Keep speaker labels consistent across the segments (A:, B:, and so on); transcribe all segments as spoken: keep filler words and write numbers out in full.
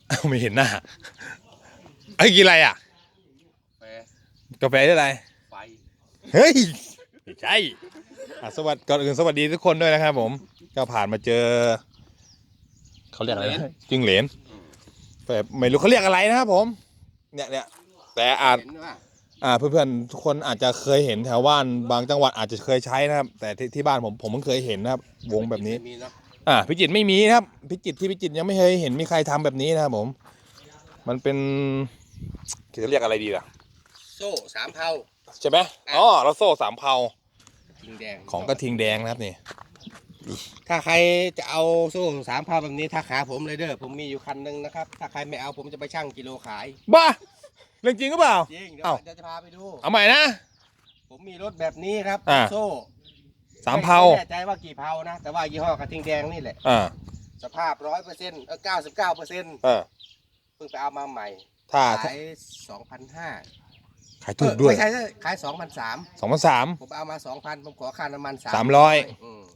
A: ไม่เห็นหน้าไอ้กินอะไรอ่ะกาแฟได้อะไรไฟเฮ้ยไม่ใช่สวัสดีก่อนอื่นสวัสดีทุกคนด้วยนะครับผมก็ผ่านมาเจอเขาเรียกอะไรจิ้งเหลนแต่ไม่รู้เขาเรียกอะไรนะครับผมเนี่ยเนี่ยแต่อาจอ่าเพื่อนๆทุกคนอาจจะเคยเห็นแถวบ้านบางจังหวัดอาจจะเคยใช้นะครับแต่ที่ที่บ้านผมผมเพิ่งเคยเห็นนะครับวงแบบนี้อ่าพิจิตรไม่มีนะครับพิจิตรที่พิจิตรยังไม่เคยเห็นมีใครทำแบบนี้นะครับผมมันเป็นจะเรียกอะไรดีล่ะ
B: โซ่สามเผา
A: ใช่ไหมอ๋อแล้วโซ่สามเผา
B: ทิงแดง
A: ของกระทิงแดงนะครับนี่
B: ถ้าใครจะเอาโซ่สามเผาแบบนี้ถ้าขาผมเลยเด้อผมมีอยู่คันนึงนะครับถ้าใครไม่เอาผมจะไปชั่งกิโลขาย
A: บ้าเรื่องจริงหรือเปล่า
B: จริงเดี๋ยวจะพาไปดู
A: เอาใหม่นะ
B: ผมมีรถแบบนี้ครับโซ่
A: สามเผา
B: ไม่แน่ใจว่ากี่เผานะแต่ว่ายี่ห้อกระทิงแดงนี่แหละสภาพร้อยเปอร์เซ็นต์เออเก้าสิบเก้าเปอร์เซ็นต์เพิ่งไปเอามาใหม่
A: ถ้า
B: ขายสองพันห้า
A: ขายถูกด้วย
B: ไม่ใช่ขายสองพันสาม
A: สองพันสาม
B: ผมเอามาสองพันผมขอค่าน้ำมัน
A: สามร้อย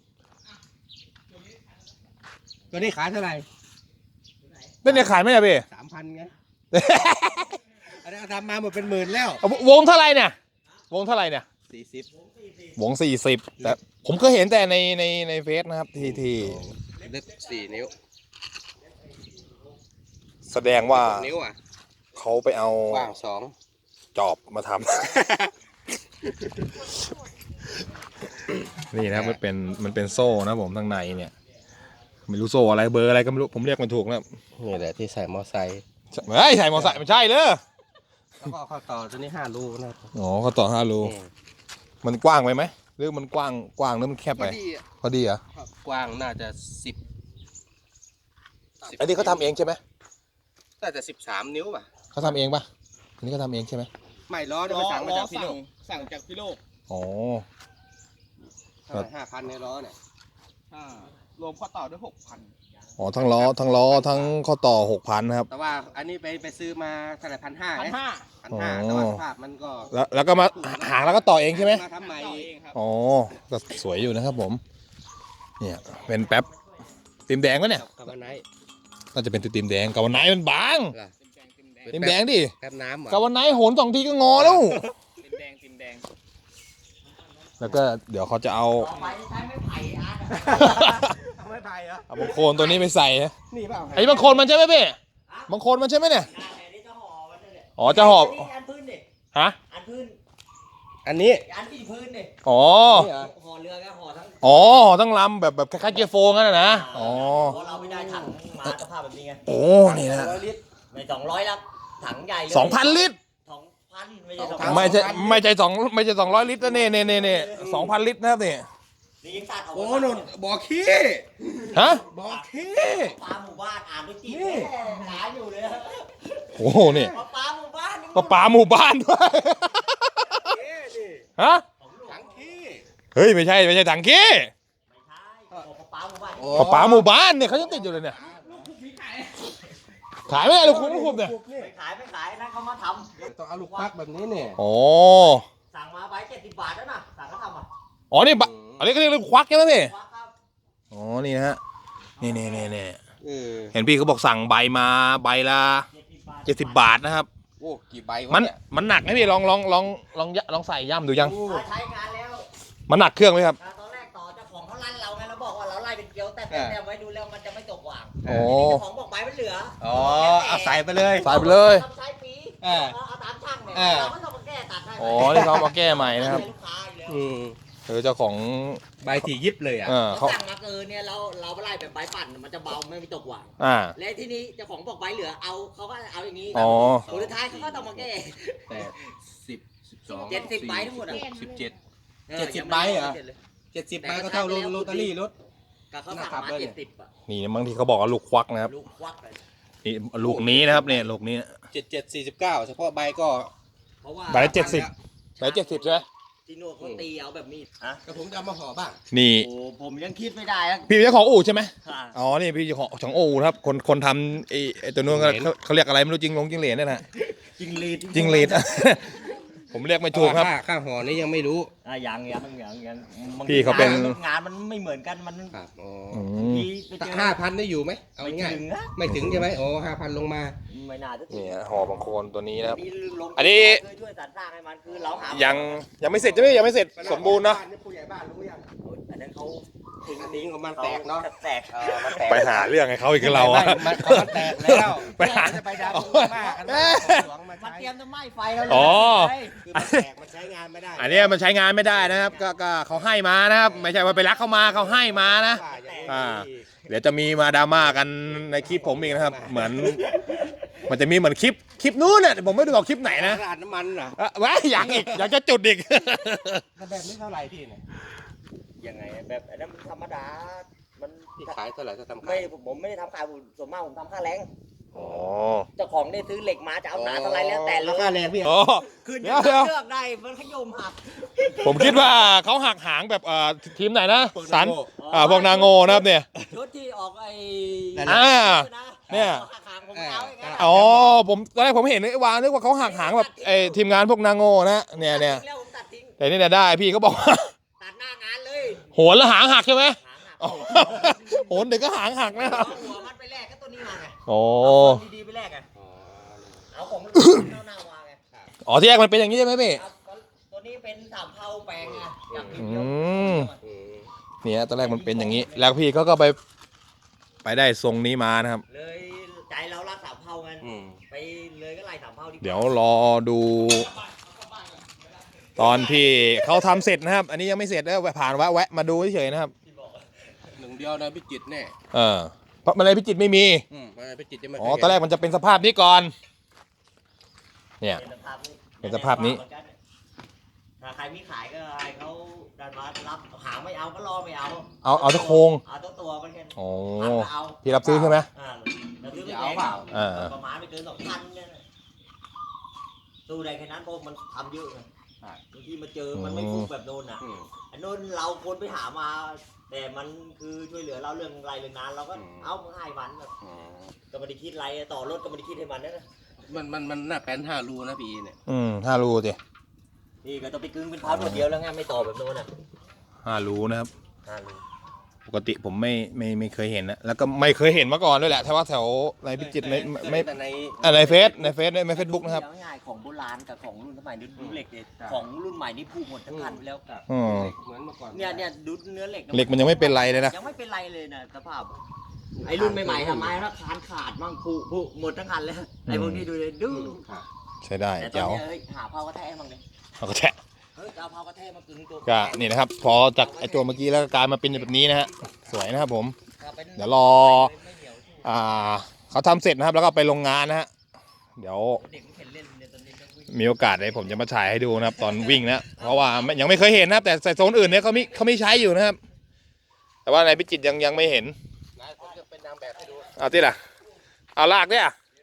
B: ตัวนี้ขายเท่าไหร่
A: นี่เนี่ยขายไหมอะพี่
B: สามพันไงอันนี้ทำมาหมดเป็นหมื่นแล้ว
A: วงเท่าไหร่เนี่ยวงเท่าไหร่เนี่ย
B: สี่สิบ
A: วงสี่สิบแต่ผมก็เห็นแต่ในในในเฟซนะครับทีที
B: ลึกสี่นิ้ว
A: แสดงว่า
B: นิ้วอ่ะ
A: เขาไปเอา
B: กว้างสอง
A: จอบมาทำ นี่นะมันเป็นมันเป็นโซ่นะผมข้างในเนี่ยไม่รู้โซ่อะไรเบอร์อะไรก็ไม่รู้ผมเรียกมันถูกนะ
B: นี่แหละที่ใส่มอไซค์
A: ไม่ใส่มอไซค์ไม่ใช่เลย
B: แล้วก็ข้อต่อตัวนี้ห้ารูนะ
A: อ๋อข้อต่อห้ารูมันกว้างไปไหมหรือมันกว้างกว้างหรือมันแคบไปพอดีอ่ะ
B: กว้างน่าจะสิบ
A: อันนี้เขาทำเองใช่ไหม
B: น่าจะสิบสามนิ้วป่ะ
A: เขาทำเองป่ะอันนี้เขาทำเองใช่ไหม
B: ไม่ล้อเนี่ยสั่งมาจากพี่โลกสั่งจากพี่โลก
A: อ๋อ
B: ห้าพันในล้อเนี่ยรวมข้อต่อด้วยหกพัน
A: อ๋อทั้งล้อทั้งล้อทั้งข้อต่อหกพันครับ
B: แต่ว่าอันนี้ไปไปซื้อมาเท่าไหร่พันห้าพันห้าพันห้าแต่ว่าภาพมันก็
A: แล้วแล้วก็มาหางแล้วก็ต่อเองใช่ไหม
B: มาทำใหม่เองครับ
A: อ๋อก็สวยอยู่นะครับผมเนี่ยเป็นแป๊บติมแดงวะเนี่ย
B: กาวันไน
A: น่าจะเป็นติมแดงกาวันไนมันบางติมแดงดิ
B: แป๊บน้ำ
A: กาวันไนโหนสองทีก็งอแล้ว
B: ติมแดงติมแดง
A: แล้วก็เดี๋ยวเขาจะเอา
B: ไม้ไผ่อาร์ตไม้ไผ่เหรอ
A: เอาบางโคนตัวนี้ไปใส่
B: นี่เปล่า
A: ไอ้บางโคนมันใช่ไหมพี่บางโคนมันใช่ไหมเนี่ยอ๋อจะหอบ
C: อันพื้นดิ
A: ฮะ
C: อันพื้น
B: อันนี้
C: อันที่พื้นดิ
A: อ๋อ
C: ห่อเรือก็ห่อทั้ง
A: อ๋อทั้งลำแบบแบบคล้ายๆเกียร์โฟงั้นนะนะอ๋อ
C: เราไม่ได้ถังมาสภาพแบบนี้ไง
A: โอ้นี่นะ
C: ไม่สองร้อยแล้วถังใหญ่เลย
A: สองพันลิตร
C: สองพันไม่ใช่สอง
A: ไม่ใช่ไม่ใช่สองไม่ใช่สองร้อยลิตรนะเนี่ยเนี่ยเนี่ยสองพันลิตรนะครับเนี่ย
B: โอ้โหบ่อขี้
A: ฮะ
B: บ่อขี้
C: ปลาหมู่บ้านอ่านด้วยจีบหาอยู่เลย
A: โอ้โหนี่
C: ปลาหมู่บ้าน
A: ปลาปลาหมู่บ้านด้วยฮะ
B: ถังขี้
A: เฮ้ยไม่ใช่ไม่ใช่ถังขี้
C: ไม่ใช่ปลาหมู่บ้าน
A: ปลาปลาหมู่บ้านเนี่ยเขายังติดอยู่เลยเนี่ยขายไม่ได้ลูกคุณลูกคุณเนี่ย
C: ไม่ขายไม่ขายนั่นเขามาท
B: ำต้องเอาลูกปักแบบนี้เนี่ย
A: โอ้
C: สั่งมาไว้เจ็ดสิบบาทแล้วนะสั่งเขาทำอ่ะ
A: อ๋อนี่อันนี้ก็เรียกลูกควักใช่ไหมพี่อ๋อนี่นะฮะนี่นี่นี่นี่เห็นพี่เขาบอกสั่งใบมาใบละเจ็ดสิบบาทนะครับ
B: โอ้กี่ใบ
A: มันมันหนักไหมพี่ลองลองลองลองลองใส่ย่ำดูยัง
C: ใช้งานแล้ว
A: มันหนักเครื่องไหมครับ
C: ตอนแรกต่อเจ้าของเขาลั่นเราไงเราบอกว่าเราไล่เป็นเกลียวแต่แต่ไว้ดูแล้วมันจะไม่ตกหว่าง
A: โอ้
C: เจ้าของบอกใบมันเหลือ
B: อ๋อเอาใส่ไปเลย
A: ใส่ไปเลย
C: ใช้ปีเอาตามช่างเนี่ยเราไม่ต้องมาแก้ตัดให้
A: อ๋อนี่เขามาแก้ใหม่นะครับ
B: อืม
A: เออเจ้าของ
B: ใบถี่ยิบเลยอ่ะ
C: เขาสั่งมาเกินเนี่ยเราเราไล่แบบใบปั่นมันจะเบาไม่มีตกหว่าง
A: อ่า
C: และที่นี้เจ้าของบอกใบเหลือเอาเขาก็เอาอย่างนี้
A: อ๋อ
C: ผลท้ายเขาก็ต้องมาแก้
B: แต่สิบสิบสอง
C: เจ็ดสิบใบทั้งหมดอ่ะ
B: สิบเจ็ดเจ็ดสิบใบเหรอเจ็ดสิบใบก็เท่าโรตารี่รถ
C: ก็เขาสั่งมาเจ็ดสิบอ่ะ
A: นี่บางทีเขาบอกว่าลูกควักนะครับ
C: ลูกควักเลย
A: นี่ลูกนี้นะครับเนี่ยลูกนี้
B: เจ็ดเจ็ดสี่สิบเก้าเฉพาะใบก็
C: เพราะว่า
A: ใบเจ็ดสิบใบเจ็ดสิบใช่ไหม
C: ที่โน่นเขาตีเอาแบบมีด
B: อ่ะแต่ผมจะเอามาห่อบ้าง
A: นี่
C: โอ้ผมยังคิดไม่ได้
A: พี่เจ้าของอู่ใช่ไหมอ๋อนี่พี่เจ้าของของอู่ครับคนคนทำไอ้ตัวนู้นเขาเขาเรียกอะไรไม่รู้จริงลงจริงเหรียญนี่แหละ
C: จริงลีด
A: จริงลีดผมเรียกไม่ถูกครับ
B: ค่าค่าห่อนี่ยังไม่รู้
C: อ่ะยังยังยังยังบงที
A: พี่เขาเป็น
C: งานมันไม่เหมือนกันมัน
B: ครับอ๋อ
A: อื
C: บาง
A: ม
C: ทีไปเจอ
B: ห้าพันได้อยู่ไหมเอา
C: ไม่
B: ง่าย
C: ถึงนะ
B: ไม่ถึงใช่ไหมโอ้ห้าพันลงมา
C: ไม่น่าจะถึง
A: เนี่ยห่อบางโคนตัวนี้นะครับ
C: นี่ลง
A: อันนี้
C: เคยช่วยสรรสร้างให้มันคือเราหา
A: ยังยังไม่เสร็จใช่ไหมยังไม่เสร็จสมบูรณ์เนาะ
B: ผู้ใหญ่บ้านรู้ยัง
C: อันนั้นเขา
B: ทิ้งทิ้งของมันแตกเนาะ
C: แตก
B: เออมันแตก
A: ไปหาเรื่องให้เขาอีกกับเราอะ
B: ไม่ไม่ของมันแตกแล้ว
A: ไปหา
B: จะไปดาวมากกัน
A: เอ้ย
B: หลวงมา
C: มัน
B: ใช้
C: เตรียมจะไหม้ไฟแล้ว
A: อ๋อ
B: คือมันแตกมันใช้งานไม่ได้
A: อันเนี้ยมันใช้งานไม่ได้นะครับก็ก็เขาให้มานะครับ ไม่ใช่ว่าไปรักเขามาเขาให้มานะ อ่า เดี๋ยวจะมีมาดราม่ากันในคลิปผมอีกนะครับ เหมือน มันจะมีเหมือนคลิปคลิปนู้นเนี่ยผมไม่ได้บอกคลิปไหนนะ
B: ราดน้ำมันเหรอ
A: อ่ะว้ายอยากอีกอยากจะจุดอีก
B: แบบนี้เท่าไหร่พี่เนี่ย
C: ยังไงแบบอันนั้นมันธรรมดา มัน
B: พี่ขายเท่าไหร่ถ้าทำ
C: ไม่
B: ขาย
C: ผมผมไม่ได้ทำขายผมส่วนมากผมทำค่าแรง
A: อ๋อ
C: เจ้าของเนี่ยซื้อเหล็กมาจะเอาหนาเท่าไรแล้วแต่เล
B: ราคาย แรงพี่
A: อ๋อ
C: ขึ้น
A: เดี๋ยวเดี๋ยว
C: เลือกได้มันขยมหัก
A: ผมคิดว่าเขาหักหางแบบเอ่อทีมไหนนะสันอ่าพวกนางโงนะครับเนี่ย
C: ชุดที่ออกไอ้
A: อ่าเนี่ย
C: หักหางผมเอาอย่างนั้น
A: อ๋อผมตอนแรกผมเห็นไอ้วางนึกว่าเขาหักหางแบบไอ้ทีมงานพวกนางโงนะเนี่ยเนี่ย
C: แล้วผมตัดทิ้ง
A: แต่นี่เนี่ยได้พี่ก็บอกว่า
C: ตัดหน้างานเลย
A: โหนแล้วหางหักใช่ไหม
C: หางหัก
A: อ๋อโหนเด็กก็หางหักนะครับ
C: เอาหัวมันไปแลกก็ตัวนี้มาไง
A: โอ้
C: เอาของดีๆไปแลกไงเอาของมันเน่าๆมาไง
A: อ๋อที่แรกมันเป็นอย่างนี้ใช่ไหมพี่
C: ครับตัวนี้เป็นสามเผาแปลงไงจากพิม
A: อื
C: พ์เดียว
A: ม เนี่ยตอนแรกมันเป็นอย่างนี้ แล้วพี่เขาก็ไปไปได้ทรงนี้มานะครับ
C: เลยใจเรารักสามเผากัน
B: อืม
C: ไปเลยก็ไล่สามเผาดีกว่า
A: เดี๋ยวรอดู ตอนที่เขาทำเสร็จนะครับ อันนี้ยังไม่เสร็จนะผ่านแวะแวะมาดูเฉยๆนะครับ
B: หนึ่งเดียวนะพี่จิตรแน่
A: เออเพราะมันอะไรพิจิตรไม่มี
B: อืมพี่จิตรจะไม่
A: อ๋อตอนแรกมันจะเป็นสภาพนี้ก่อน เนี่ย
C: เป็นสภาพนี้
A: เป็นสภาพนี้
C: ถ้าใครมีขายก็ให้เขาดันมารับหาไม่เอาก็รอไม่เอา
A: เอาเอาตะโคง
C: เอาตัวตัวมันแค่
A: โอ้
C: เอา
A: พี่รับซื้อใช่ไหม
C: อ่าเราซื้อไม่แพง
A: อ่า
C: ประมาณไม่เกินสองพันเนี่ยนะตู้ใดแค่นั้นเพราะมันทำเยอะไงบางทีมาเจอมันไม่ฟุกแบบโดนอ่ะ
B: อืม
C: อันโน้นเราคนไปหามา แต่มันคือช่วยเหลือเราเรื่องรายเรื่องงานเราก็
B: อืม
C: เอาให้มันแบบ
B: อ๋อ
C: ก็ไม่ได้คิดอะไรต่อรถก็ไม่ได้คิดให้มันนะ
B: มันมันมันหน้าแป้นห้ารูนะพี่เนี่ย
A: อืมห้ารูสิ
C: นี่ก็ต้องไปกึ่งเป็นพาร์ทหมดเดียวแล้วไงไม่ต่อแบบโน้นอ่ะ
A: ห้ารูนะครับ
C: ห้ารู
A: ปกติผมไม่ไม่ไม่เคยเห็นนะแล้วก็ไม่เคยเห็นมาก่อนด้วยแหละถ้าว่าแถวในพิจิตรไม่ไม่ไม่
B: แต่ใน
A: อ่ะในเฟซในเฟซในเฟซบุ๊กนะครับ
C: ง่ายๆของโบราณกับของรุ่นสมัยนี้ดูเหล็กเนี่ยของรุ่นใหม่นี่พูดหมดทั้งคันไปแล้ว
A: อืม
B: เหมือนเมื่อก่อน
C: เนี่ยเนี่ยดูเนื้อเหล็กะ
A: เหล็กมันยังไม่เป็นไรเลยนะ
C: ยังไม่เป็นไรเลยนะสภาพไอ้รุ่นใหม่ๆทำไมถ้าคานขาดมั่งผุผุหมดทั้งคันเลยไอ้พวกนี้ดูเลยดู
B: ครับ
A: ใช้ได้
C: แต่ตอน
A: เจ้า
C: เนี้ยเฮ้ยหาเผากระแทกมั่งเลย
A: เอาก็แทะ
C: เฮ้ยจะเอาเผากระแทกมากึ่งตัว
A: ก็นี่นะครับ พอจากไอตัวเมื่อกี้แล้วก็กลายมาเป็นแบบนี้นะฮะสวยนะครับผม
C: ป็น
A: เดี๋ยวรอ
C: ไม่เหนียว
A: อ่าเขาทำเสร็จนะครับ แล้วก็ไปโรงงานนะฮะเดี๋ยว
C: เด็กมันเห็นเล่นเนี่ยตอนนี้ต้องวิ่ง
A: มีโอกาสเลยผมจะมาถ่ายให้ดูนะครับ ตอนวิ่งนะเพราะว่าไม่ยังไม่เคยเห็นนะครับ แต่ใส่โซนอื่นเนี่ยเขามีเขามีใช้อยู่นะครับ แต่ว่าในพิจิตรยังยังไม่เห็น
B: นายผมจะเป็นนางแบบให้ดู
A: เอาที่ล่ะเอาลากเนี่ย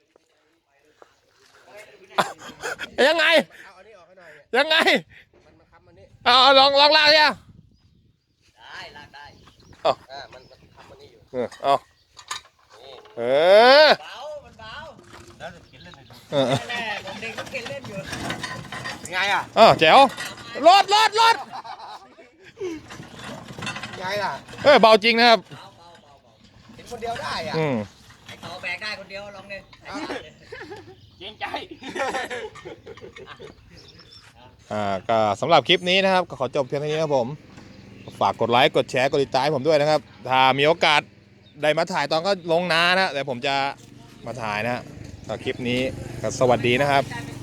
A: ยังไง
B: เอาอันนี้ออกให้หน่อยเนี่ย
A: ยังไง
B: มันมันค้ำอันนี้
A: เอาเอาลองลองลากเนี่ย
C: ได้ลากได้
B: อ่ามันมันค้ำอันนี้อยู่
A: เออเอา
B: นี่
A: เออ
C: เบามันเบา
B: แล้วจะเขียนเล่นให้ดู
A: เออ
C: แน่ๆผมเด็กก็เก่งเล่นอยู่
B: เป็นไงอ่ะ
A: อ้าวแจ๋วรถรถรถ
B: เป็นไงล่ะ
A: เออเบาจริงนะครับ
C: เบาเบาเบาเบา
B: เห็นคนเดียวได้อ่ะ
A: อืม
C: ไอ้ต่อแบกได้คนเดียวลองเลยไอ้ยาเลย
B: เกรงใจ
A: อ่าก็สำหรับคลิปนี้นะครับก็ขอจบเพียงเท่านี้นะครับผมฝากกดไลค์กดแชร์กดติดตามให้ผมด้วยนะครับ ถ้ามีโอกาสได้มาถ่ายตอนก็ลงนานะแต่ผมจะมาถ่ายนะฮะก็คลิปนี้ก็สวัสดีนะครับ
C: ได้ไม่